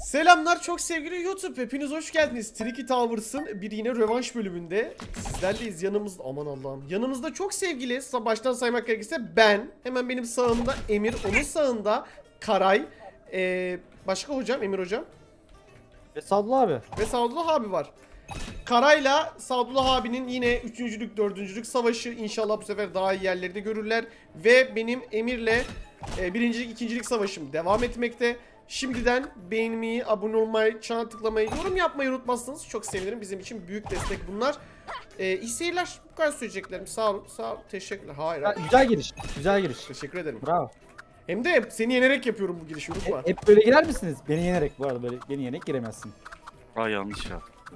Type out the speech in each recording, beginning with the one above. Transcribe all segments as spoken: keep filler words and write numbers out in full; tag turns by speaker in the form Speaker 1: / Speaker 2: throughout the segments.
Speaker 1: Selamlar çok sevgili YouTube, hepiniz hoş geldiniz. Tricky Towers'ın bir yine rövanş bölümünde sizlerleyiz. Yanımızda, aman Allah'ım, yanımızda çok sevgili, baştan saymak gerekirse ben, hemen benim sağımda Emir, onun sağında Karay, ee, başka hocam, Emir hocam
Speaker 2: ve Sadullah abi
Speaker 1: ve Sadullah abi var. Karay'la Sadullah abinin yine üçüncülük dördüncülük savaşı, inşallah bu sefer daha iyi yerlerde görürler. Ve benim Emir'le e, birincilik ikincilik savaşım devam etmekte. Şimdiden beğenmeyi, abone olmayı, çana tıklamayı, yorum yapmayı unutmazsanız çok sevinirim. Bizim için büyük destek bunlar. Ee, iyi seyirler. Bu kadar söyleyeceklerim. Sağ olun. Sağ olun. Teşekkürler. Hayır.
Speaker 2: ya, güzel giriş. Güzel giriş.
Speaker 1: Teşekkür ederim.
Speaker 2: Bravo.
Speaker 1: Hem de seni yenerek yapıyorum bu girişi. Unutma.
Speaker 2: Hep, hep böyle girer misiniz? Beni yenerek bu arada böyle beni yenerek giremezsin.
Speaker 3: Aa yanlış yaptım.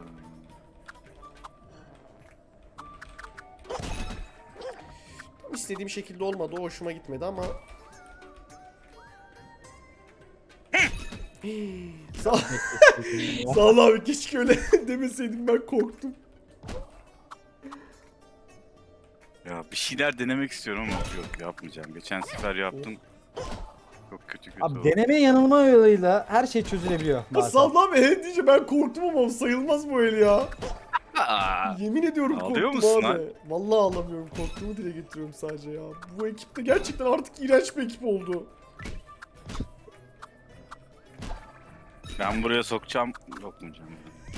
Speaker 1: İstediğim şekilde olmadı. O hoşuma gitmedi ama. Sağ, sağ ol abi. Keşke öyle demeseydim, ben korktum.
Speaker 3: Ya bir şeyler denemek istiyorum ama yok yapmayacağım. Geçen sefer yaptım. Çok kötü kötü
Speaker 2: Abi
Speaker 3: oldu.
Speaker 2: deneme yanılma yoluyla her şey çözülebiliyor. bazen.
Speaker 1: Sağ ol abi. He diyece ben korktum ama sayılmaz bu el ya.
Speaker 3: Aa,
Speaker 1: Yemin ediyorum
Speaker 3: Ağlıyor
Speaker 1: korktum
Speaker 3: musun
Speaker 1: abi.
Speaker 3: lan?
Speaker 1: Vallahi ağlamıyorum. Korktuğumu dile getiriyorum sadece ya. Bu ekip de gerçekten artık iğrenç bir ekip oldu.
Speaker 3: ben buraya sokacağım. Sokmayacağım.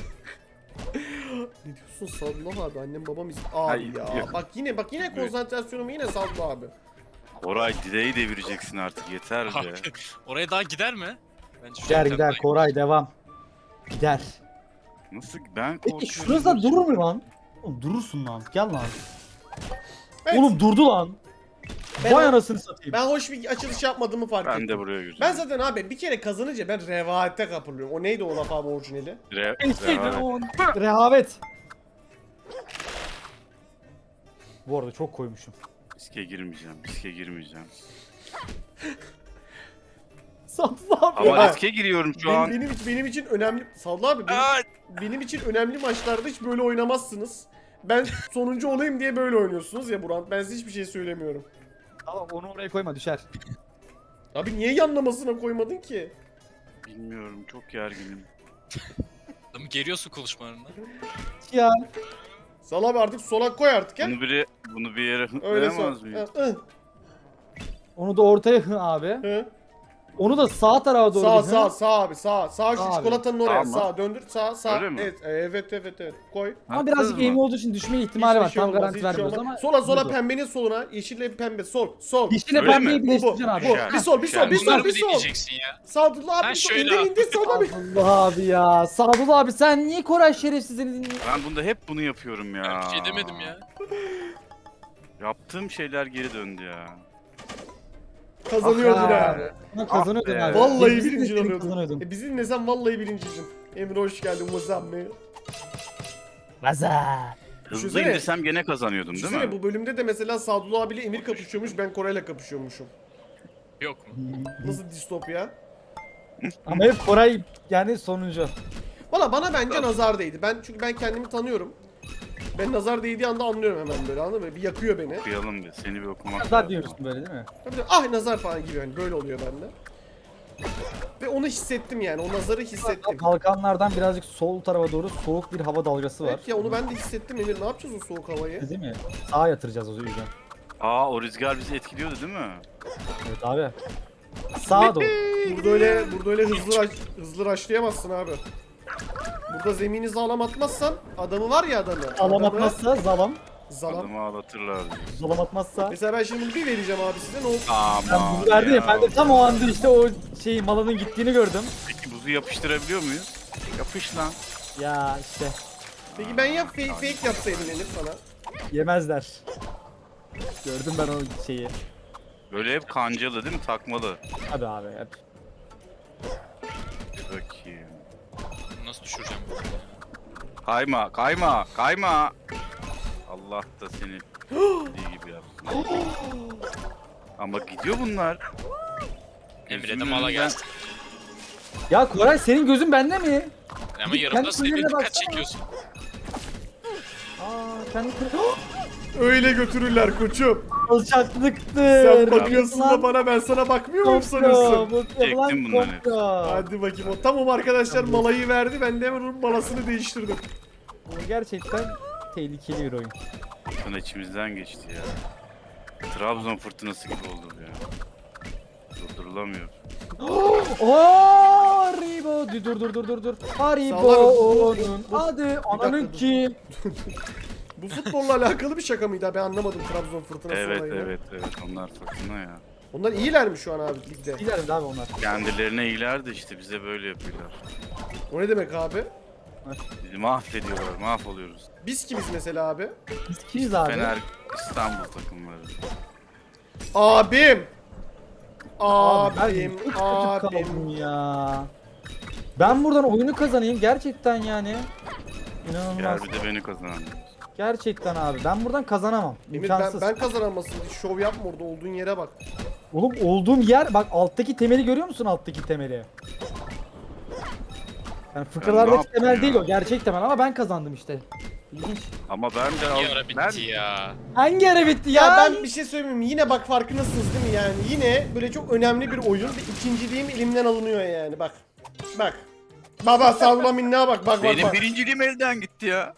Speaker 1: Ne diyorsun Sadullah abi? Annem babam iz... Abi
Speaker 3: Hayır,
Speaker 1: ya.
Speaker 3: yok.
Speaker 1: Bak yine bak yine konsantrasyonumu yine Sadullah abi.
Speaker 3: Koray direği devireceksin artık yeter be.
Speaker 4: Abi, oraya daha gider mi? Bence şu
Speaker 2: Gider
Speaker 4: yöntem
Speaker 2: gider
Speaker 4: daha-
Speaker 2: Koray devam. Gider.
Speaker 3: Nasıl ben
Speaker 2: Peki
Speaker 3: korkuyorum.
Speaker 2: şurada durur mu lan? Oğlum durursun lan. Gel lan.
Speaker 1: Evet,
Speaker 2: Oğlum durdu lan.
Speaker 1: Ben-
Speaker 2: Vay anasını satayım.
Speaker 1: ben hoş bir açılış yapmadığımı fark
Speaker 3: Ben
Speaker 1: ettim.
Speaker 3: de buraya gireceğim.
Speaker 1: Ben zaten abi bir kere kazanınca ben revayete kapılıyorum. O neydi o laf abi orijinali?
Speaker 3: Re
Speaker 2: Eşeğden
Speaker 3: rehavet.
Speaker 2: on. Rehavet. Bu arada çok koymuşum.
Speaker 3: Riske girmeyeceğim. Riske girmeyeceğim.
Speaker 2: Sadullah abi.
Speaker 3: Ama
Speaker 1: Ya.
Speaker 3: riske giriyorum şu
Speaker 1: Benim,
Speaker 3: an.
Speaker 1: benim, için- benim için önemli... Sadullah abi benim,
Speaker 3: Aa,
Speaker 1: benim için önemli maçlarda hiç böyle oynamazsınız. Ben sonuncu olayım diye böyle oynuyorsunuz ya Buran. Ben size hiçbir şey söylemiyorum.
Speaker 2: Tamam onu oraya koyma düşer.
Speaker 1: Abi niye yanlamasına koymadın ki?
Speaker 3: bilmiyorum çok gerginim.
Speaker 4: Adamı geriyorsun konuşmalarında.
Speaker 2: Ya.
Speaker 1: Sal abi artık sola koy artık ya.
Speaker 3: Bunu biri bunu bir yere
Speaker 1: Öyle
Speaker 3: hıtlayamaz
Speaker 1: sol.
Speaker 3: mıyız?
Speaker 1: Hı, hı,
Speaker 2: Onu da ortaya hı abi.
Speaker 1: hı.
Speaker 2: Onu da sağ tarafa doğru.
Speaker 1: Sağ
Speaker 2: bir hı.
Speaker 1: sağ sağ abi sağ. Sağ şu
Speaker 2: Sağ abi.
Speaker 1: çikolatanın oraya.
Speaker 3: Sağ mı?
Speaker 1: Sağ döndür sağ sağ.
Speaker 3: Öyle mi?
Speaker 1: Evet evet evet evet. Koy.
Speaker 2: Ama birazcık
Speaker 3: Haklısın
Speaker 2: eğimi
Speaker 3: mı?
Speaker 2: olduğu için düşme ihtimali
Speaker 1: Hiçbir
Speaker 2: var.
Speaker 1: şey
Speaker 2: Tam
Speaker 1: olmaz,
Speaker 2: garanti
Speaker 1: hiçbir şey
Speaker 2: vermiyoruz
Speaker 1: olmaz.
Speaker 2: ama.
Speaker 1: Sola sola
Speaker 2: budur.
Speaker 1: pembenin soluna. Yeşille pembe sol. Sol.
Speaker 2: Yeşille
Speaker 3: Öyle
Speaker 2: pembeyi
Speaker 3: mi?
Speaker 2: birleştireceksin
Speaker 1: Bu,
Speaker 2: abi.
Speaker 1: bu.
Speaker 3: Güzel.
Speaker 1: Bir sol bir sol bir sol
Speaker 4: Bunları
Speaker 1: bir
Speaker 4: mı
Speaker 1: sol.
Speaker 4: dinleyeceksin ya?
Speaker 1: Sadullah abi
Speaker 4: Ben
Speaker 1: bir sol.
Speaker 4: şöyle
Speaker 1: İndir indir sola bir.
Speaker 2: Allah abi ya. Sadullah abi sen niye Koray şerefsizini dinliyorsun?
Speaker 3: Ben bunda hep bunu yapıyorum ya.
Speaker 4: Ben bir şey demedim ya.
Speaker 3: Yaptığım şeyler geri döndü ya.
Speaker 1: Kazanıyordun
Speaker 2: Ah
Speaker 1: ha.
Speaker 2: ya. Buna kazanıyordun
Speaker 3: be.
Speaker 2: abi.
Speaker 1: Vallahi
Speaker 2: Biz de
Speaker 1: birinci
Speaker 2: seni
Speaker 1: oluyordun.
Speaker 2: kazanıyordun.
Speaker 1: E bizi dinlesen vallahi birinciydin. Emre hoş geldin Muzamme.
Speaker 2: Vaza.
Speaker 3: Hızlı
Speaker 1: Düşünsene.
Speaker 3: indirsem gene kazanıyordum değil
Speaker 1: Düşünsene
Speaker 3: mi?
Speaker 1: bu bölümde de mesela Sadullah abiyle Emir kapışıyormuş, ben Koray'la kapışıyormuşum.
Speaker 4: Yok mu?
Speaker 1: Nasıl distopya?
Speaker 2: Ama hep Koray yani sonuncu.
Speaker 1: Valla bana bence nazar değdi. Ben çünkü ben kendimi tanıyorum. Ben nazar değdiği anda anlıyorum hemen böyle, anladın mı? Bir yakıyor beni.
Speaker 3: Okuyalım bir. Seni bir okumak
Speaker 2: Nazar
Speaker 3: lazım.
Speaker 2: diyorsun böyle değil mi?
Speaker 1: Tabii de, ah nazar falan gibi yani böyle oluyor bende. Ve onu hissettim yani, o nazarı hissettim.
Speaker 2: Balkanlardan birazcık sol tarafa doğru soğuk bir hava dalgası var.
Speaker 1: Evet ya, onu ben de hissettim Emir. Ne yapacağız o soğuk havayı?
Speaker 2: Değil mi? Sağa yatıracağız o yüzden.
Speaker 3: Aa o rüzgar bizi etkiliyordu değil mi?
Speaker 2: Evet abi. Sağa doğru.
Speaker 1: Burada öyle burada öyle hızlı raş, hızlı raşlayamazsın abi. Burada zemini sağlam atmazsan adamı var ya adamı.
Speaker 2: Zalam
Speaker 1: adamı-
Speaker 2: atmazsa zalam.
Speaker 1: Zalam.
Speaker 3: Adamı ağlatırlar diyor.
Speaker 2: Zalam atmazsa.
Speaker 1: Mesela ben şimdi bunu bir vereceğim abi size, ne olur.
Speaker 2: Ben
Speaker 3: Aman
Speaker 2: buzu verdi ya. Ben de tam o anda işte o şey malının gittiğini gördüm.
Speaker 3: Peki buzu yapıştırabiliyor muyuz? Yapış lan.
Speaker 2: Ya işte
Speaker 1: Peki ben ya fake, fake yapsaydım Elif sana.
Speaker 2: yemezler. Gördüm ben o şeyi.
Speaker 3: Böyle hep kancalı değil mi? Takmalı.
Speaker 2: Hadi abi hep.
Speaker 3: Bir bakayım.
Speaker 4: Nasıl düşüreceğim bunu?
Speaker 3: Kayma, kayma, kayma. Allah da seni dediği gibi yapsın. Ama gidiyor bunlar.
Speaker 4: Emre de
Speaker 3: Gözümün
Speaker 4: mala
Speaker 3: önünden-
Speaker 4: gelsin.
Speaker 2: Ya Koray senin gözün bende mi?
Speaker 4: Ama
Speaker 2: Git
Speaker 4: yarımda
Speaker 2: kendi
Speaker 4: sürekli
Speaker 2: kuyruğuna
Speaker 4: dikkat
Speaker 2: baksana.
Speaker 4: çekiyorsun.
Speaker 2: Aa kendi
Speaker 1: Öyle götürürler koçum.
Speaker 2: Alçaklıktır.
Speaker 1: Sen bakıyorsun da
Speaker 2: Lan
Speaker 1: bana, ben sana bakmıyor muyum
Speaker 2: komplo,
Speaker 1: sanıyorsun?
Speaker 2: bakıyorum lan
Speaker 3: Çektim bunları.
Speaker 2: komplo.
Speaker 1: Hadi bakayım. O tamam arkadaşlar, malayı verdi. Ben de hemen onun malasını değiştirdim.
Speaker 2: Bu gerçekten tehlikeli bir oyun.
Speaker 3: Fırtına içimizden geçti ya. Trabzon fırtınası gibi oldu bu ya. Durdurulamıyor.
Speaker 2: Ooo Haribo. Dur dur dur dur dur. Haribo'nun
Speaker 1: Bu-
Speaker 2: adı
Speaker 1: dakika,
Speaker 2: ananın
Speaker 1: dur.
Speaker 2: kim?
Speaker 1: Bu futbolla alakalı bir şaka mıydı? Ben anlamadım Trabzon fırtınası
Speaker 3: Evet
Speaker 1: olayını.
Speaker 3: evet evet onlar fırtına ya.
Speaker 1: Onlar iyiler mi şu an abi ligde?
Speaker 2: Gidelim abi onlar.
Speaker 3: Kendilerine iyiler de işte bize böyle yapıyorlar.
Speaker 1: O ne demek abi?
Speaker 3: Bizi mahvediyorlar, mahvoluyoruz.
Speaker 1: Biz kimiz mesela abi?
Speaker 2: Biz kimiz abi?
Speaker 3: Fener İstanbul takımları.
Speaker 1: Abim!
Speaker 2: Abi ben
Speaker 1: Abim,
Speaker 2: çok kötü
Speaker 1: abim.
Speaker 2: kaldım ya. Ben buradan oyunu kazanayım gerçekten yani. İnanılmaz.
Speaker 3: Gel bir de beni kazanalım.
Speaker 2: Gerçekten abi. Ben buradan kazanamam.
Speaker 1: Emir ben,
Speaker 2: İmkansız.
Speaker 1: ben kazanamazsın. Hiç şov yapma orada, olduğun yere bak.
Speaker 2: Oğlum olduğum yer bak, alttaki temeli görüyor musun, alttaki temeli? Yani fıkralardaki
Speaker 3: yaptım
Speaker 2: temel
Speaker 3: ya?
Speaker 2: değil o, gerçek temel, ama ben kazandım işte. İlginç.
Speaker 3: Ama ben de
Speaker 4: Bir ara
Speaker 3: ben
Speaker 4: bitti ya.
Speaker 2: Hangi ara bitti ya?
Speaker 1: Ya ben bir şey söyleyeyim mi? Yine bak, farkındasınız değil mi yani? Yine böyle çok önemli bir oyun ve ikinciliğim elimden alınıyor yani, bak. Bak. Baba sallama minna bak, bak bak
Speaker 3: benim
Speaker 1: bak.
Speaker 3: birinciliğim elden gitti ya.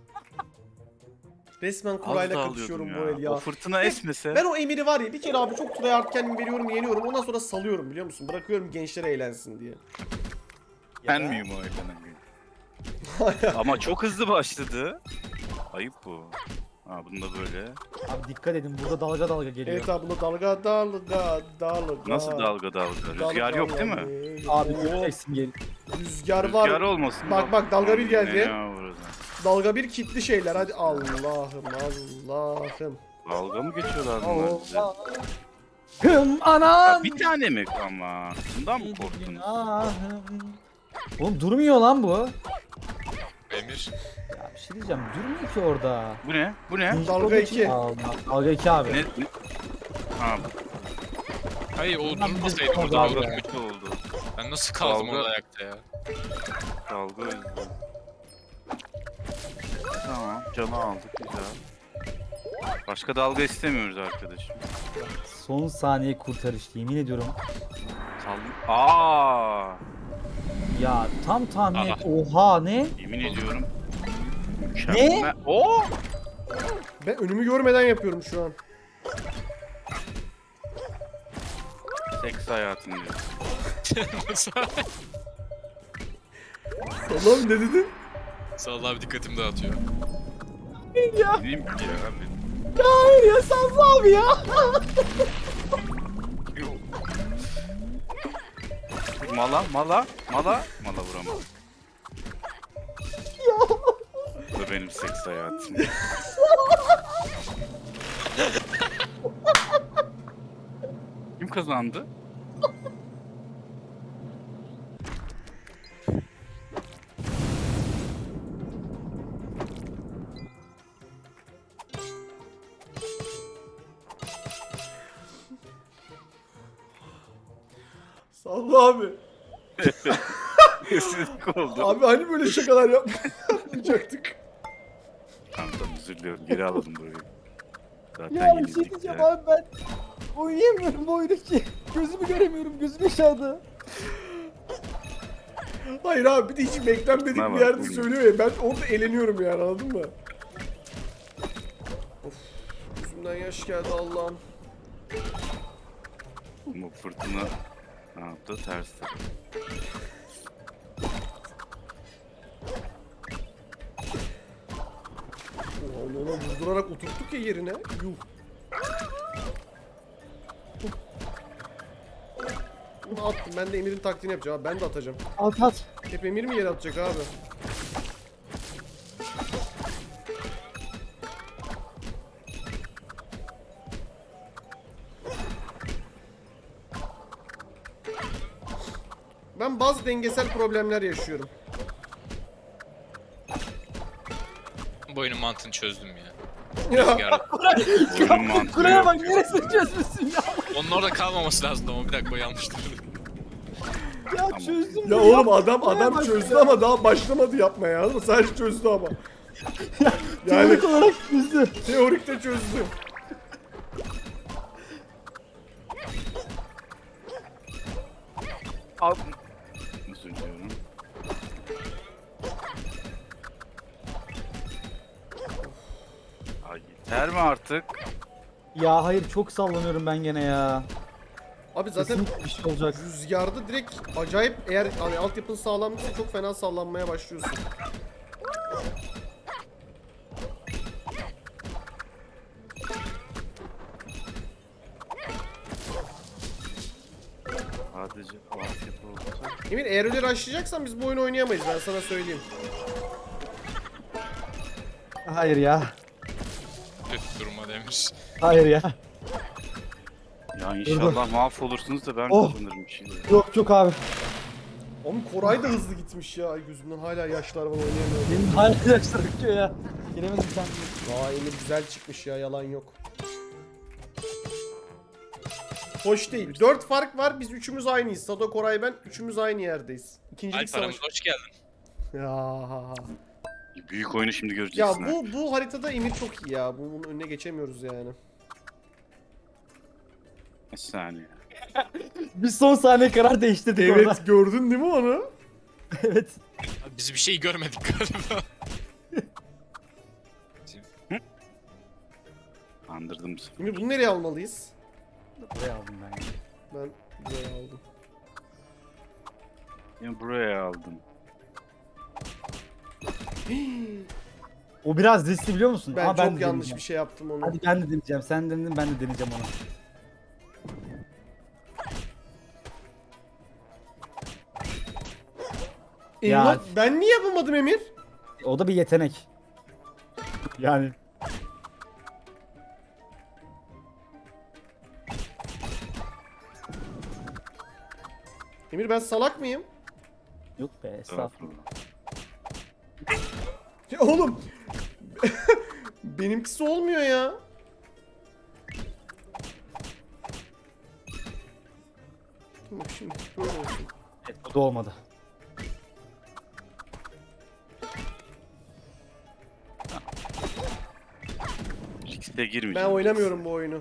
Speaker 1: Resmen
Speaker 3: Az
Speaker 1: kurayla
Speaker 3: daha
Speaker 1: kapışıyorum
Speaker 3: alıyordum
Speaker 1: bu el ya.
Speaker 3: O fırtına esmese.
Speaker 1: Ben o Emir'i var ya, bir kere abi çok tryhard kendim veriyorum, yeniyorum. Ondan sonra salıyorum, biliyor musun? Bırakıyorum gençler eğlensin diye.
Speaker 3: Ben miyim o elden? Ama çok hızlı başladı. Ayıp bu. Ha bunu da böyle.
Speaker 2: Abi dikkat edin, burada dalga dalga geliyor.
Speaker 1: Evet abi, bunda dalga dalga dalga.
Speaker 3: Nasıl dalga dalga? Rüzgar
Speaker 1: Dalga
Speaker 3: yok değil mi?
Speaker 1: yani.
Speaker 2: Abi
Speaker 1: Oo,
Speaker 2: göreceksin gel.
Speaker 1: Rüzgar var.
Speaker 3: Rüzgar olmasın.
Speaker 1: Bak, bak, dalga bir geldi.
Speaker 3: Ya, burası.
Speaker 1: Dalga bir kitli şeyler, hadi Allah'ım Allah'ım.
Speaker 3: Dalga mı geçiyorlar bunlar bize?
Speaker 2: Hım
Speaker 3: Ya
Speaker 2: anan.
Speaker 3: bir tane mi ama? Bundan mı korktunuz?
Speaker 2: Günahım. Oğlum durmuyor lan bu.
Speaker 4: Emir.
Speaker 2: Ya bir şey diyeceğim, durmuyor ki orada.
Speaker 3: Bu ne? Bu ne?
Speaker 1: Dalga iki.
Speaker 2: Allah, dalga iki abi.
Speaker 3: Ne? ne? Ha,
Speaker 4: Hayır o
Speaker 2: Bundan
Speaker 4: durmasaydı
Speaker 2: bir
Speaker 4: orada
Speaker 2: dalga
Speaker 4: dalga
Speaker 3: dalga kötü oldu.
Speaker 4: Ben nasıl kaldım
Speaker 3: Dalga.
Speaker 4: orada ayakta ya?
Speaker 3: Dalga üzdü. Tamam, canı aldık güzel. Başka dalga istemiyoruz arkadaşım.
Speaker 2: Son saniye kurtarış, yemin ediyorum.
Speaker 3: Sal. Aa!
Speaker 2: Ya tam tahmin
Speaker 4: Aha.
Speaker 2: et. Oha ne?
Speaker 3: Yemin ediyorum. Mükemmel. Oo!
Speaker 1: Ben önümü görmeden yapıyorum şu an.
Speaker 3: Seks hayatın diyor.
Speaker 4: Nasıl?
Speaker 1: Allah'ım ne dedin?
Speaker 4: Sağ ol abi, dikkatimi dağıtıyor.
Speaker 2: Ya
Speaker 3: Diyeyim ki ya abi.
Speaker 2: hayır ya, Sazlı abi ya.
Speaker 3: Yok. Mala, mala, mala, mala vuramam. Bu benim seks hayatım. Kim kazandı?
Speaker 1: Salla abi.
Speaker 3: Kesinlikle oldu.
Speaker 1: Abi hani böyle şakalar yap yapmayacaktık.
Speaker 3: Tamam tamam özür diliyorum. Geri alalım burayı. Zaten
Speaker 2: Ya bir şey
Speaker 3: yenildik
Speaker 2: diyeceğim
Speaker 3: ya.
Speaker 2: abi, ben oynayamıyorum bu oyunu ki. Gözümü göremiyorum, gözüm aşağıda.
Speaker 1: Hayır abi, bir de hiç beklenmedik
Speaker 3: Ne
Speaker 1: bir
Speaker 3: var?
Speaker 1: yerde
Speaker 3: Buyurun.
Speaker 1: söylüyor ya. Ben orada eğleniyorum yani, anladın mı? Of. Yüzümden yaş geldi Allah'ım.
Speaker 3: Bu fırtına ne yaptı? Ters tarafı.
Speaker 1: Onu ona vurdurarak oturttuk ya yerine. Yuh. Bunu attım. Ben de Emir'in taktiğini yapacağım abi. Ben de atacağım.
Speaker 2: At at.
Speaker 1: Hep Emir mi yere atacak abi? Ben bazı dengesel problemler yaşıyorum.
Speaker 4: Bu oyunun mantığını çözdüm ya.
Speaker 1: Ya.
Speaker 4: Rüzgar.
Speaker 3: Oyunun mantığı
Speaker 2: Kuraya
Speaker 3: yok
Speaker 2: bak,
Speaker 3: ya.
Speaker 2: neresini çözmüşsün ya.
Speaker 4: Onun orada kalmaması lazımdı ama bir dakika, o yanlıştı.
Speaker 2: Ya çözdüm.
Speaker 1: Ya
Speaker 2: bunu
Speaker 1: oğlum adam
Speaker 2: Kuraya
Speaker 1: adam
Speaker 2: bak
Speaker 1: çözdü
Speaker 2: ya.
Speaker 1: ama daha başlamadı yapmaya. Sadece çözdü ama. Yani
Speaker 2: Teorik olarak çözdü.
Speaker 1: teorikte çözdüm.
Speaker 3: Al. Özür diliyorum. Ay yeter mi artık?
Speaker 2: Ya hayır çok sallanıyorum ben gene ya.
Speaker 1: Abi zaten
Speaker 2: Kesinlikle bir şey olacak.
Speaker 1: rüzgarda direkt acayip, eğer hani altyapın sağlamsa çok fena sallanmaya başlıyorsun.
Speaker 3: Sadece altyapı olsa.
Speaker 1: Emir, eğer öyle rushlayacaksan biz bu oyunu oynayamayız, ben sana söyleyeyim.
Speaker 2: Hayır ya.
Speaker 4: Kötü duruma demiş.
Speaker 2: Hayır ya.
Speaker 3: Ya inşallah mahvolursunuz da ben
Speaker 2: Oh.
Speaker 3: kazanırım bir şeyler.
Speaker 2: Yok yok abi.
Speaker 1: Oğlum Koray da hızlı gitmiş ya, gözümden hala yaşlar var, oynayamıyorum.
Speaker 2: Benim hala yaşlar akıyor ya. Giremedim sen.
Speaker 1: Aa, Emir güzel çıkmış ya, yalan yok. Hoş değil. Dört fark var, biz üçümüz aynıyız. Sado, Koray, ben üçümüz aynı yerdeyiz. İkincilik
Speaker 4: Alp
Speaker 1: savaş.
Speaker 4: aramıza hoş geldin.
Speaker 1: Ya.
Speaker 3: Büyük oyunu şimdi
Speaker 1: Ya
Speaker 3: göreceksin.
Speaker 1: bu bu haritada Emir çok iyi ya. Bunun önüne geçemiyoruz yani.
Speaker 3: Bir saniye.
Speaker 2: Bir son saniye karar değiştirdik orada.
Speaker 1: Evet, gördün değil mi onu?
Speaker 2: Evet.
Speaker 4: Abi biz bir şey görmedik galiba.
Speaker 3: Andırdım bu sefer.
Speaker 1: Emir, bunu nereye almalıyız?
Speaker 2: Buraya aldım ben ya.
Speaker 1: Ben buraya aldım.
Speaker 3: Ya buraya aldım.
Speaker 2: O biraz riskli biliyor musun?
Speaker 1: Ben
Speaker 2: Ama
Speaker 1: çok
Speaker 2: de
Speaker 1: yanlış
Speaker 2: deneyeceğim.
Speaker 1: bir şey yaptım onu.
Speaker 2: Hadi ben de deneyeceğim. Sen denedin ben de deneyeceğim onu.
Speaker 1: Emir,
Speaker 2: Ya.
Speaker 1: ben niye yapamadım Emir?
Speaker 2: O da bir yetenek. Yani.
Speaker 1: Emir, ben salak mıyım?
Speaker 2: Yok be estağfurullah.
Speaker 1: Ya oğlum. Benimkisi olmuyor ya. Bak şimdi böyle olsun.
Speaker 2: Evet, bu da olmadı.
Speaker 3: Risk'e girmeyeceğim.
Speaker 1: Ben oynamıyorum bu oyunu.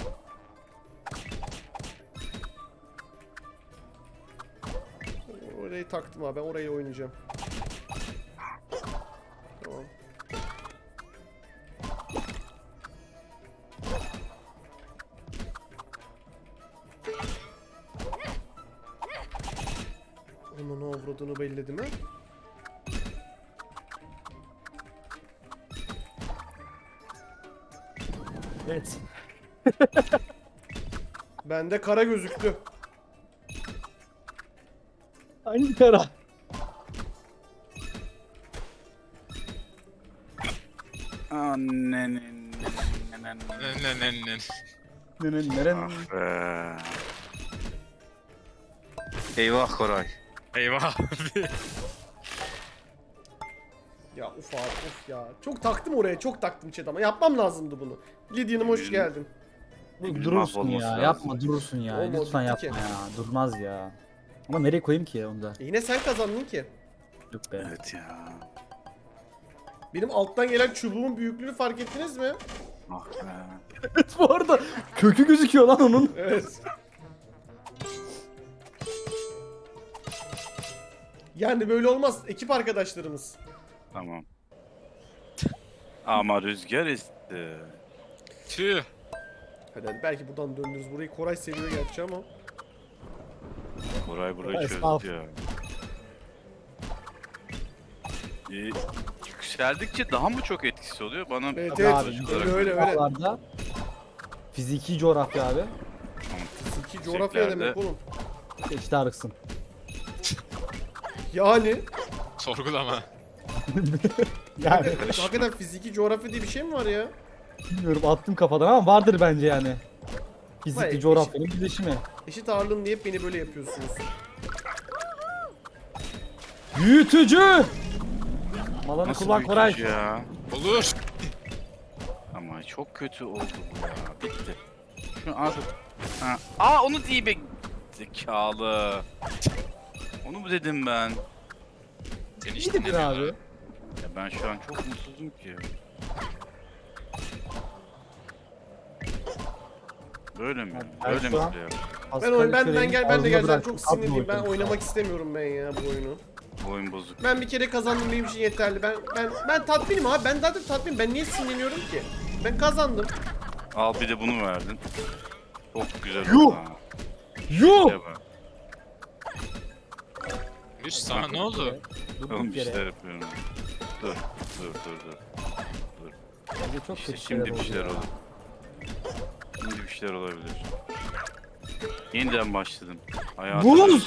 Speaker 1: Orayı taktım abi, ben orayı oynayacağım. Tamam. Onun avradını belledi mi?
Speaker 2: Evet.
Speaker 1: Bende kara gözüktü.
Speaker 2: Hangi kara?
Speaker 3: Annenin.
Speaker 4: Ne ne ne ne.
Speaker 2: Neren neren?
Speaker 3: Ah be. Eyvah Koray.
Speaker 4: Eyvah.
Speaker 1: Ya uf abi, uf ya. Çok taktım oraya, çok taktım chat ama yapmam lazımdı bunu. Lidya'nım hoş geldin.
Speaker 3: Emirin
Speaker 2: Durursun
Speaker 3: mahvolması
Speaker 2: ya.
Speaker 3: lazım.
Speaker 2: Yapma durursun ya.
Speaker 1: Olmadı
Speaker 2: Lütfen yapma
Speaker 1: ki.
Speaker 2: ya. Durmaz ya. Ama nereye koyayım ki onu da?
Speaker 1: E yine sen kazandın ki.
Speaker 2: Yok be.
Speaker 3: Evet ya.
Speaker 1: Benim alttan gelen çubuğun büyüklüğünü fark ettiniz mi?
Speaker 3: Ah be.
Speaker 2: Evet bu arada kökü gözüküyor lan onun.
Speaker 1: Evet. Yani böyle olmaz ekip arkadaşlarımız.
Speaker 3: Tamam. Ama rüzgar esti.
Speaker 4: Tüh.
Speaker 1: Hadi hadi, belki buradan döndürürüz. Burayı Koray seviyor gerçi ama.
Speaker 3: Koray burayı
Speaker 2: Koray,
Speaker 3: çözdü
Speaker 2: sağ ol.
Speaker 3: ya. Ee, yükseldikçe daha mı çok etkisi oluyor? Bana
Speaker 1: Evet
Speaker 2: Tabii
Speaker 1: evet,
Speaker 2: abi,
Speaker 1: öyle öyle öyle.
Speaker 2: Dağlarda fiziki coğrafya abi.
Speaker 1: İki coğrafya
Speaker 3: Yükseklerde-
Speaker 1: demek oğlum.
Speaker 2: İşte arıksın.
Speaker 1: Yani
Speaker 4: Sorgulama.
Speaker 2: Yani
Speaker 1: hakikaten fiziki coğrafya diye bir şey mi var ya?
Speaker 2: bilmiyorum attım kafadan ama vardır bence yani. Fiziki
Speaker 1: Hayır,
Speaker 2: coğrafyanın birleşimi.
Speaker 1: Eşit ağırlığım diye hep beni böyle yapıyorsunuz.
Speaker 2: Büyütücü! Malanı
Speaker 3: nasıl
Speaker 2: kullan Koray.
Speaker 3: büyütücü ya?
Speaker 4: Olur.
Speaker 3: Ama çok kötü oldu bu ya. Bitti. Şu artık. Ha. Aa onu değil be. Zekalı. Onu mu dedim ben?
Speaker 4: Seni
Speaker 2: İyi
Speaker 4: hiç
Speaker 2: dedin
Speaker 4: dinlemiyorlar.
Speaker 2: abi.
Speaker 3: Ya ben şu an çok mutsuzum ki. Böyle mi?
Speaker 2: Ben
Speaker 3: Böyle
Speaker 2: şu
Speaker 3: mi
Speaker 2: an-
Speaker 3: play yap?
Speaker 1: Ben oyun ben ben gel ben de
Speaker 2: Ağzına
Speaker 1: geleceğim.
Speaker 2: bıraktım.
Speaker 1: Çok sinirliyim. Ben
Speaker 2: Atma
Speaker 1: oynamak istemiyorum ben ya bu oyunu.
Speaker 3: Bu oyun bozuk.
Speaker 1: Ben bir kere kazandım, benim için yeterli. Ben ben ben tatminim abi. Ben zaten tatminim. Ben niye sinirleniyorum ki? Ben kazandım.
Speaker 3: Al bir de bunu verdin. Çok güzel
Speaker 2: Yuh!
Speaker 3: oldu ha.
Speaker 2: Yuh!
Speaker 3: Şuraya bak.
Speaker 4: Üst sana ne oldu?
Speaker 2: Dur
Speaker 3: Oğlum
Speaker 2: bir
Speaker 3: bir
Speaker 2: kere.
Speaker 3: şeyler yapıyorum. Dur, dur, dur, dur.
Speaker 2: Bence çok
Speaker 3: İşte
Speaker 2: kötü
Speaker 3: şimdi bir
Speaker 2: oldu
Speaker 3: şeyler
Speaker 2: ya.
Speaker 3: olur. Şimdi bir şeyler olabilir. Yeniden başladım. Hayatım.
Speaker 2: Buz!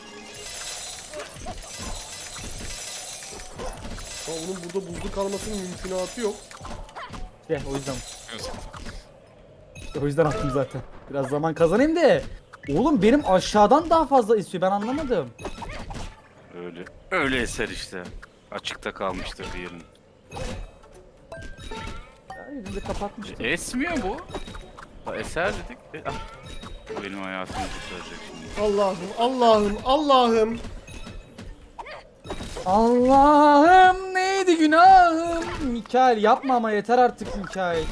Speaker 1: Ama onun burada buzlu kalmasının mümkünatı yok.
Speaker 2: İşte o yüzden.
Speaker 4: Yok.
Speaker 2: İşte o yüzden attım zaten. Biraz zaman kazanayım da. Oğlum benim aşağıdan daha fazla istiyor. Ben anlamadım.
Speaker 3: Öyle. Öyle eser işte. Açıkta kalmıştır bir yerin.
Speaker 2: Ya elinde kapatmıştım.
Speaker 3: E, esmiyor bu. Ha, eser dedik. E, ah. Bu benim hayatımı kurtaracak şimdi.
Speaker 1: Allah'ım, Allah'ım, Allah'ım.
Speaker 2: Allah'ım neydi günahım? Mikael yapma ama yeter artık Mikael.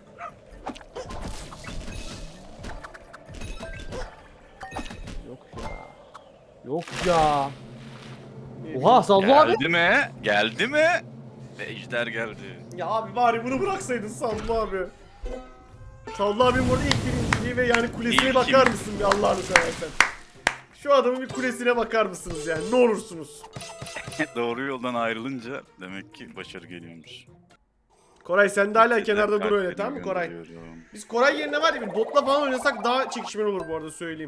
Speaker 2: Yok ya. Yok ya. Oha Sallı abi.
Speaker 3: Geldi mi? Geldi mi? Ve ejder geldi.
Speaker 1: Ya abi bari bunu bıraksaydın Sallı abi. Sallı abim burada ilk birinciliği ve yani kulesine
Speaker 3: İlk
Speaker 1: bakar
Speaker 3: kim?
Speaker 1: mısın bir Allah'ını seversen. Şu adamın bir kulesine bakar mısınız yani ne olursunuz.
Speaker 3: Doğru yoldan ayrılınca demek ki başarı geliyormuş.
Speaker 1: Koray sen de hala kenarda dur
Speaker 3: Kalplerimi
Speaker 1: öyle tamam mı Koray?
Speaker 3: gönderiyorum.
Speaker 1: Biz Koray yerine var ya bir botla falan oynasak daha çekişmeli olur bu arada söyleyeyim.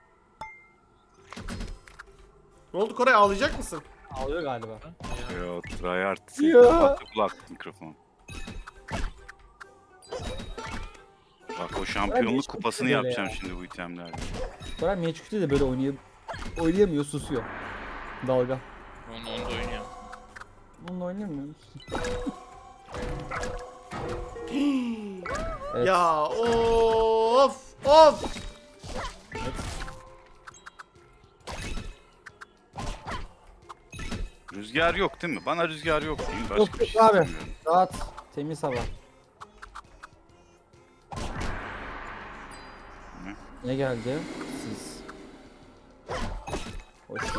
Speaker 1: Ne oldu Koray ağlayacak mısın?
Speaker 2: Ağlıyor galiba.
Speaker 3: Yo, tryhard.
Speaker 2: Ya.
Speaker 3: Kapattı kulak mikrofon. Bak o şampiyonluk
Speaker 2: hiç
Speaker 3: kupasını
Speaker 2: böyle
Speaker 3: yapacağım
Speaker 2: ya.
Speaker 3: şimdi bu itemlerle.
Speaker 2: Koray Meçhul'de de böyle oynayam oynayamıyor, susuyor. Dalga.
Speaker 4: Onu onda oynuyor.
Speaker 2: Bununla oynayamıyor musun? Evet.
Speaker 1: Ya of of.
Speaker 3: Rüzgar yok değil mi? Bana rüzgar yok değil mi? Başka
Speaker 2: Yok,
Speaker 3: bir
Speaker 2: yok
Speaker 3: şey
Speaker 2: abi.
Speaker 3: istemiyorum.
Speaker 2: Rahat, temiz hava. Ne geldi? Siz. Hoş geldiniz.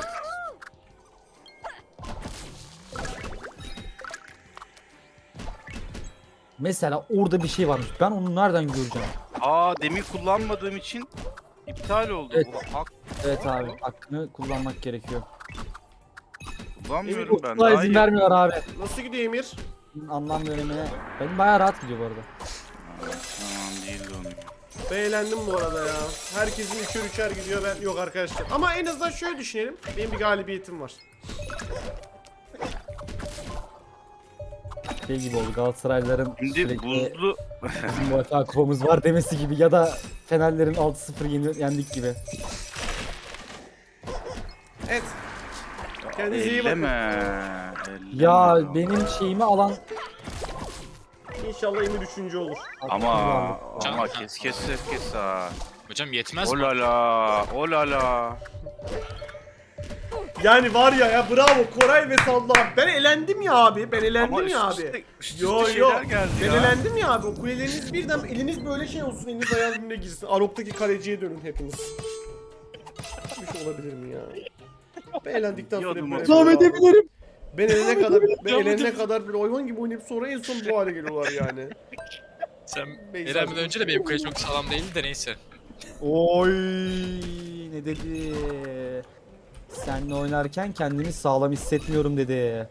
Speaker 2: Mesela orada bir şey varmış. Ben onu nereden göreceğim?
Speaker 3: Aa demin kullanmadığım için iptal oldu.
Speaker 2: Evet.
Speaker 3: Bu hak
Speaker 2: Evet abi, hakkını kullanmak gerekiyor.
Speaker 3: kullanmıyorum ben.
Speaker 2: Okula
Speaker 3: Daha
Speaker 2: izin
Speaker 3: iyi.
Speaker 2: vermiyorlar abi.
Speaker 1: Nasıl gidiyor Emir?
Speaker 2: Anlam bölümüne. Benim bayağı rahat gidiyor bu arada.
Speaker 3: Aa, Tamam değildi onun.
Speaker 1: Ben eğlendim bu arada ya. Herkesin üçer üçer gidiyor ben yok arkadaşlar. Ama en azından şöyle düşünelim. Benim bir galibiyetim var.
Speaker 2: Şey gibi oldu, Galatasaraylıların
Speaker 3: Şimdi
Speaker 2: sürekli
Speaker 3: buzlu
Speaker 2: bizim UEFA kupamız var demesi gibi ya da Fenerlerin altı sıfır yeni- yendik gibi.
Speaker 1: Evet. Kendinize iyi bakın.
Speaker 3: elleme. elleme
Speaker 2: Ya benim şeyimi alan
Speaker 1: İnşallah Emir üçüncü olur.
Speaker 3: Ama
Speaker 2: Aklım
Speaker 3: ama
Speaker 4: vardı.
Speaker 3: kes kes kes kes ha.
Speaker 4: Hocam yetmez mi?
Speaker 3: Olala, olala.
Speaker 1: Yani var ya ya bravo Koray ve Sallı abi. Ben elendim ya abi. Ben elendim
Speaker 3: Ama
Speaker 1: ya
Speaker 3: üst
Speaker 1: abi.
Speaker 3: üste, üst
Speaker 1: Yo
Speaker 3: üste
Speaker 1: yo.
Speaker 3: şeyler geldi
Speaker 1: Ben
Speaker 3: ya.
Speaker 1: elendim ya abi. O kuleleriniz birden eliniz böyle şey olsun. Eliniz ayağınız birbirine girsin. Arok'taki kaleciye dönün hepiniz. Bir şey olabilir mi ya? Ben elendikten sonra
Speaker 3: Yiyordum
Speaker 1: böyle
Speaker 3: o.
Speaker 2: devam
Speaker 1: böyle-
Speaker 2: edebilirim.
Speaker 1: Ben elene kadar, ben
Speaker 4: Devam
Speaker 1: elene
Speaker 4: edebilirim.
Speaker 1: kadar böyle hayvan gibi oynayıp sonra en son bu hale geliyorlar yani.
Speaker 4: Sen
Speaker 1: Beyza-
Speaker 4: elenmeden önce de benim kale çok sağlam değildi de neyse.
Speaker 2: Oy ne dedi? Seninle oynarken kendimi sağlam hissetmiyorum dedi.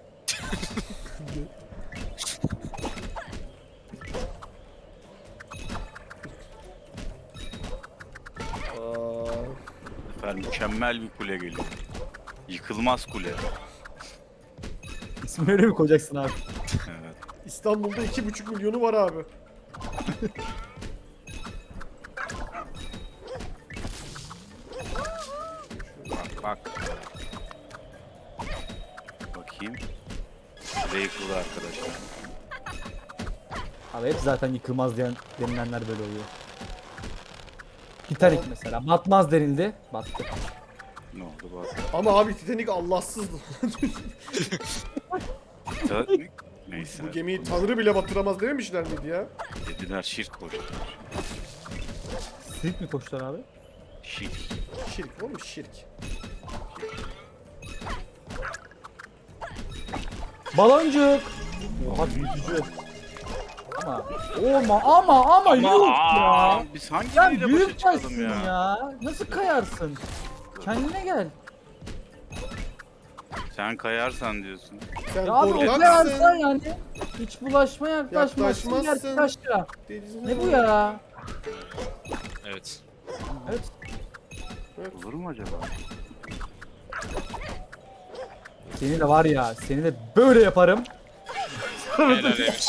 Speaker 1: Aa,
Speaker 3: Efendim mükemmel bir kule geliyor. Yıkılmaz kule.
Speaker 2: İsmini öyle mi koyacaksın abi?
Speaker 3: Evet.
Speaker 1: İstanbul'da iki buçuk milyonu var abi.
Speaker 3: Bak bak. Bakayım. Kule yıkıldı arkadaşlar.
Speaker 2: Abi hep zaten yıkılmaz diyen denilenler böyle oluyor. Titanic mesela batmaz denildi, battı.
Speaker 3: Ne oldu bak.
Speaker 1: Ama abi Titanic Allahsızdı.
Speaker 3: Titanic Neyse.
Speaker 1: Bu gemiyi tanrı bile batıramaz dememişler miydi ya?
Speaker 3: Dediler şirk koştular.
Speaker 2: Sirk mi koştular abi?
Speaker 3: Şirk.
Speaker 1: Şirk oğlum şirk.
Speaker 2: Baloncuk. Oha büyütücü. Ama ama ama ama yok ya.
Speaker 3: aa, biz hangi
Speaker 2: Sen
Speaker 3: biriyle başa
Speaker 2: büyük
Speaker 3: çıkalım
Speaker 2: başsın
Speaker 3: ya?
Speaker 2: ya. Nasıl kayarsın? Kendine gel.
Speaker 3: Sen kayarsan diyorsun.
Speaker 1: Sen
Speaker 2: Ya abi o
Speaker 1: korkaksın.
Speaker 2: kayarsan yani. Hiç bulaşma yaklaşmazsın.
Speaker 1: Yaklaşmazsın.
Speaker 2: Yaklaşma.
Speaker 1: Denizin-
Speaker 2: Ne bu ya?
Speaker 4: Evet.
Speaker 2: Evet.
Speaker 3: Olur mu acaba?
Speaker 2: Seni de var ya, seni de böyle yaparım.
Speaker 4: Helal Emir.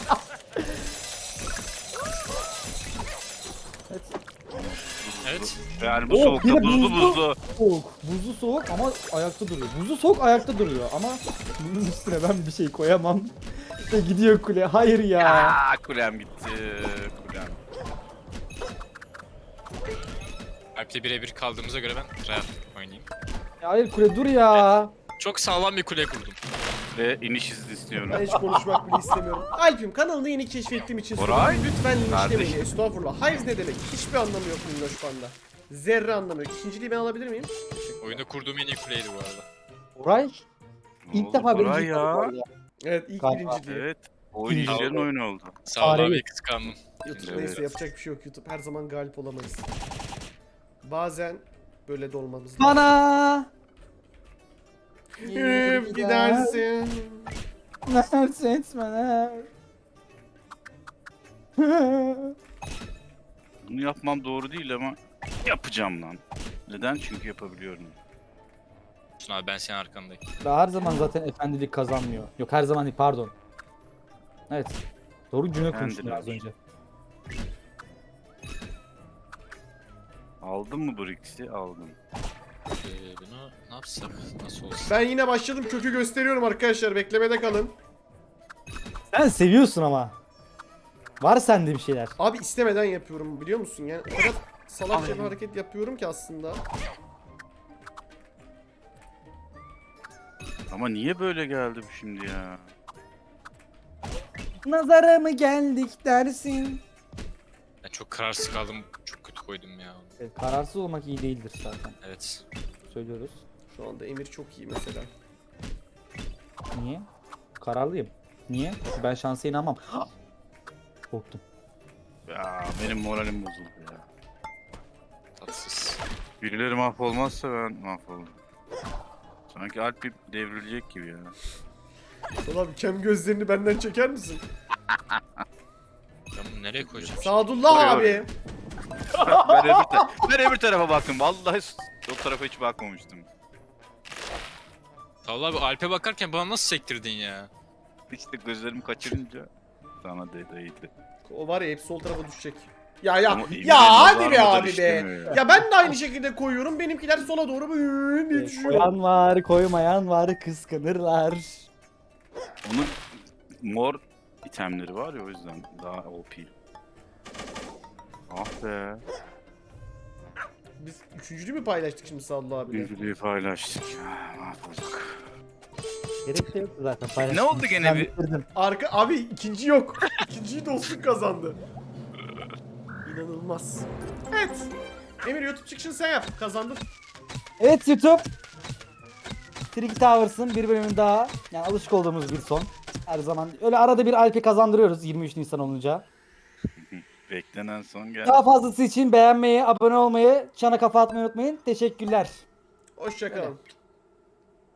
Speaker 2: Evet.
Speaker 4: Evet.
Speaker 3: Yani bu
Speaker 2: Oh,
Speaker 3: soğukta
Speaker 2: bir de
Speaker 3: buzlu
Speaker 2: buzlu.
Speaker 3: buzlu.
Speaker 2: Soğuk. Buzlu soğuk ama ayakta duruyor. Buzlu soğuk ayakta duruyor ama bunun üstüne ben bir şey koyamam. İşte gidiyor kule. Hayır ya.
Speaker 3: Aa, kulem gitti. Kulem.
Speaker 4: Alp'le birebir kaldığımıza göre ben rahat oynayayım.
Speaker 2: Ya hayır kule dur ya.
Speaker 4: Çok sağlam bir kule kurdum.
Speaker 3: Ve iniş izni istiyorum.
Speaker 1: Ben hiç konuşmak bile istemiyorum. Alp'im kanalını yeni keşfettiğim için
Speaker 3: Koray,
Speaker 1: soruyorum. Lütfen linçlemeyin.
Speaker 3: kardeşim.
Speaker 1: Estağfurullah. Hives ne demek? Hiçbir anlamı yok Minnoş Panda. Zerre anlamı yok. İkinciliği ben alabilir miyim?
Speaker 4: Oyunda kurduğum en iyi kuleydi bu arada.
Speaker 2: Oray
Speaker 3: Ne
Speaker 2: ilk
Speaker 3: oldu
Speaker 2: defa
Speaker 3: Koray
Speaker 2: birinci
Speaker 3: ya.
Speaker 1: Evet ilk
Speaker 2: Galiba.
Speaker 1: birinciliği.
Speaker 3: Evet. Oyun izleyen oyun oldu.
Speaker 4: Sağ ol
Speaker 2: Tarihi.
Speaker 4: abi kıskandım.
Speaker 1: YouTube
Speaker 3: Evet.
Speaker 1: neyse yapacak bir şey yok YouTube. Her zaman galip olamayız. Bazen böyle de olmamız lazım.
Speaker 2: Bana.
Speaker 1: Yürüyüp gidersin.
Speaker 2: Nersin etmeler.
Speaker 3: Bunu yapmam doğru değil ama yapacağım lan. Neden? Çünkü yapabiliyorum.
Speaker 4: Şuna abi ben senin arkandayım.
Speaker 2: Her zaman zaten efendilik kazanmıyor. Yok her zaman değil pardon. Evet. Doğru cümle kurmuştum az önce.
Speaker 3: Aldın mı Brix'i? Aldım.
Speaker 4: Ee, bunu ne yapsak? Nasıl olsun?
Speaker 1: Ben yine başladım. Kökü gösteriyorum arkadaşlar. Beklemede kalın.
Speaker 2: Sen seviyorsun ama. Var sende bir şeyler.
Speaker 1: Abi istemeden yapıyorum biliyor musun? Yani o kadar salakça bir hareket yapıyorum ki aslında.
Speaker 3: Ama niye böyle geldi bu şimdi ya?
Speaker 2: Nazara mı geldik dersin?
Speaker 4: Ben çok kararsız kaldım. Çok kötü koydum ya.
Speaker 2: Evet, kararsız olmak iyi değildir zaten.
Speaker 4: Evet.
Speaker 2: Söylüyoruz.
Speaker 1: Şu anda Emir çok iyi mesela.
Speaker 2: Niye? Kararlıyım. Niye? Çünkü ben şansa inanmam. Korktum.
Speaker 3: Ya benim moralim bozuldu ya.
Speaker 4: Tatsız.
Speaker 3: Birileri mahvolmazsa ben mahvolurum. Sanki Alp bir devrilecek gibi ya.
Speaker 1: Ulan kem gözlerini benden çeker misin?
Speaker 4: Ben bunu nereye koyacağım?
Speaker 1: Sadullah
Speaker 3: Oraya,
Speaker 1: abi.
Speaker 3: ben, öbür ta- ben öbür tarafa baktım. Vallahi o tarafa hiç bakmamıştım.
Speaker 4: Sağ ol abi Alp'e bakarken bana nasıl sektirdin ya?
Speaker 3: İşte gözlerimi kaçırınca sana de değdi.
Speaker 1: O var ya hep sol tarafa düşecek. Ya ya
Speaker 3: Ama Emir'in
Speaker 1: ya hadi be
Speaker 3: nazarında
Speaker 1: abi be.
Speaker 3: işlemiyor ya.
Speaker 1: Ya ben de aynı şekilde koyuyorum. Benimkiler sola doğru böyle diye düşüyor.
Speaker 2: Koyan var, koymayan var, kıskanırlar.
Speaker 3: Onun mor itemleri var ya o yüzden daha O P. Ah be.
Speaker 1: Biz üçüncülüğü mü paylaştık şimdi Sadullah abiyle?
Speaker 3: Birliği paylaştık ya. Mahvolduk.
Speaker 2: Gerek de yoktu zaten paylaşmak.
Speaker 3: Ne oldu gene
Speaker 2: Ben
Speaker 3: bir-
Speaker 2: bitirdim.
Speaker 1: Arka abi ikinci yok. İkinciyi dostluk kazandı. İnanılmaz. Evet. Emir YouTube çıkışını sen yap. Kazandın.
Speaker 2: Evet YouTube. Tricky Towers'ın bir bölümü daha. Yani alışık olduğumuz bir son. Her zaman öyle arada bir Alp'i kazandırıyoruz yirmi üç Nisan olunca.
Speaker 3: Beklenen son geldi.
Speaker 2: Daha fazlası için beğenmeyi, abone olmayı, çana kafa atmayı unutmayın. Teşekkürler.
Speaker 1: Hoşçakalın.